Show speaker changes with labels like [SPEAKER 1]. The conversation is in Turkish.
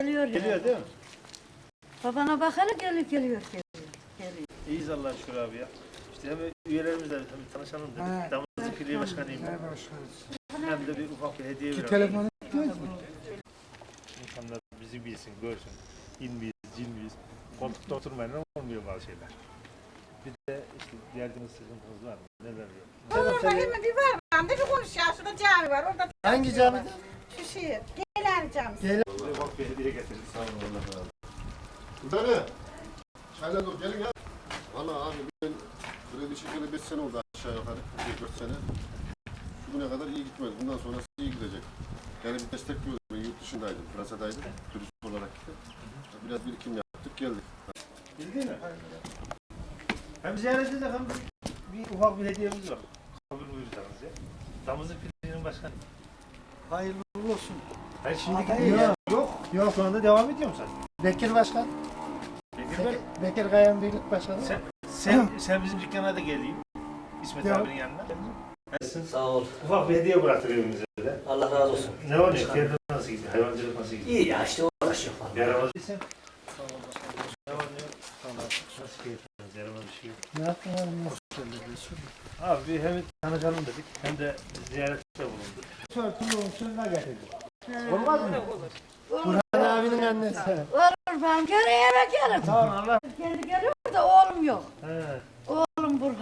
[SPEAKER 1] Geliyor
[SPEAKER 2] Geliyor değil mi?
[SPEAKER 1] Babana bakalım geliyor.
[SPEAKER 2] İyiyiz Allah'a şükür abi ya. İşte hem üyelerimizle hem tanışalım dedik. Damızlık Birliği Başkanıyım ben. Hem de bir ufak bir hediye verelim.
[SPEAKER 3] Telefonu istiyoruz mu?
[SPEAKER 2] İnsanlar bizi bilsin, görsün. İn miyiz, cin miyiz? Koltukta oturmayla olmuyor bazı şeyler. Bir de işte derdiniz, sıkıntınız var mı? Neler yok?
[SPEAKER 4] Orada hemen bir var. Ben de bir konuş ya. Şurada cami var. Orada
[SPEAKER 3] Hangi camide?
[SPEAKER 4] şu şey. Gelen camisi.
[SPEAKER 2] Ufak bir hediye getirdik. Sağ olun Allah razı olsun.
[SPEAKER 5] Burada ne? Çayla dur gelin ya. Valla abi ben kredi çekeli 5 sene oldu aşağı yukarı. 4 sene. Şu güne kadar iyi gitmedi. Bundan sonrası iyi gidecek. Yani bir destekliyoruz. Ben yurt dışındaydım. Fransa'daydım. Turist olarak gittim. Biraz birikim yaptık geldik.
[SPEAKER 2] Bildin mi? Hem ziyaret edecek hem bir ufak bir hediyemiz var. Kabul buyursanız ya. Damızlık Birliği'nin başkanı.
[SPEAKER 3] Hayırlı olsun.
[SPEAKER 2] Ben şimdi gidiyorum. Yok. Şu anda devam ediyorum sen.
[SPEAKER 3] Bekir Başkan.
[SPEAKER 2] Bekir Bey,
[SPEAKER 3] Bekir Kayan Birlik Başkanı.
[SPEAKER 2] sen bizim dükkana da geleyim. İsmet
[SPEAKER 3] Yok.
[SPEAKER 2] abinin yanına.
[SPEAKER 6] Sağ ol.
[SPEAKER 2] Ufak bir hediye bıraktık evimize de.
[SPEAKER 6] Allah razı olsun.
[SPEAKER 2] Ne oluyor? Kendin nasıl gidiyor? Hayvancılık nasıl gidiyor?
[SPEAKER 6] İyi ya işte uğraşıyor falan.
[SPEAKER 2] Yaramaz değilsen. Ne var ne yok? Nasıl keyifleriniz? Yaramaz bir şey yok.
[SPEAKER 3] Ne yaptın abi?
[SPEAKER 2] Abi bir hem tanışalım dedik hem de ziyarette bulunduk.
[SPEAKER 3] Sörtülü usulüne getirdim.
[SPEAKER 2] Olmaz mı?
[SPEAKER 3] Burhan abinin annesi.
[SPEAKER 1] Olur ben geri eve gelirim.
[SPEAKER 2] Tamam Allah.
[SPEAKER 1] Kendi geliyor da oğlum yok.
[SPEAKER 2] He.